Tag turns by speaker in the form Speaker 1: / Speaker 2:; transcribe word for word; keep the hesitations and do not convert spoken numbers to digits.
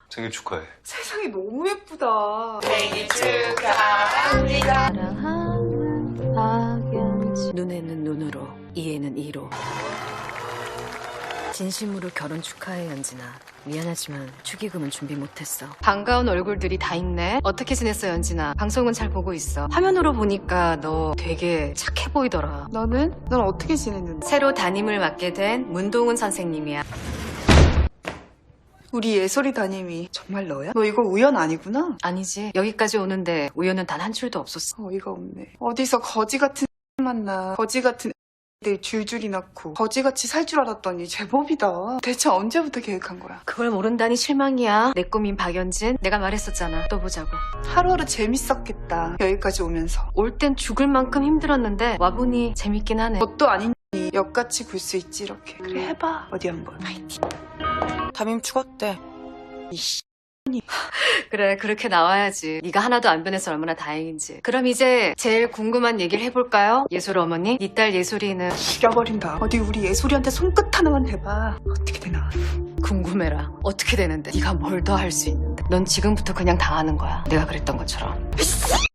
Speaker 1: 생일 축하해.
Speaker 2: 세상이 너무 예쁘다.
Speaker 3: 생일 축하합니다.
Speaker 4: 사랑하는 박연지. 눈에는 눈으로, 이에는 이로. 진심으로 결혼 축하해, 연진아. 미안하지만 축의금은 준비 못했어. 반가운 얼굴들이 다 있네. 어떻게 지냈어, 연진아? 방송은 잘 보고 있어. 화면으로 보니까 너 되게 착해 보이더라.
Speaker 2: 너는? 넌 어떻게 지냈는데?
Speaker 4: 새로 담임을 맡게 된 문동은 선생님이야.
Speaker 2: 우리 예솔이 담임이 정말 너야? 너 이거 우연 아니구나?
Speaker 4: 아니지. 여기까지 오는데 우연은 단 한 줄도 없었어.
Speaker 2: 어이가 없네. 어디서 거지 같은 만나. 거지 같은 들 줄줄이 낳고 거지같이 살 줄 알았더니 제법이다. 대체 언제부터 계획한 거야?
Speaker 4: 그걸 모른다니 실망이야. 내 꿈인 박연진. 내가 말했었잖아. 또 보자고.
Speaker 2: 하루하루 재밌었겠다. 여기까지 오면서.
Speaker 4: 올 땐 죽을 만큼 힘들었는데 와보니 재밌긴 하네.
Speaker 2: 뭣도 아닌 니 역같이 굴 수 있지 이렇게. 그래 해봐. 어디 한번. 파이팅. 담임 죽었대. 이씨.
Speaker 4: 그래, 그렇게 나와야지. 네가 하나도 안 변해서 얼마나 다행인지. 그럼 이제 제일 궁금한 얘기를 해볼까요? 예솔 어머니, 네 딸 예솔이는
Speaker 2: 죽여버린다. 어디 우리 예솔이한테 손끝 하나만 대봐. 어떻게 되나.
Speaker 4: 궁금해라. 어떻게 되는데? 네가 뭘 더 할 수 있는데? 넌 지금부터 그냥 당하는 거야. 내가 그랬던 것처럼.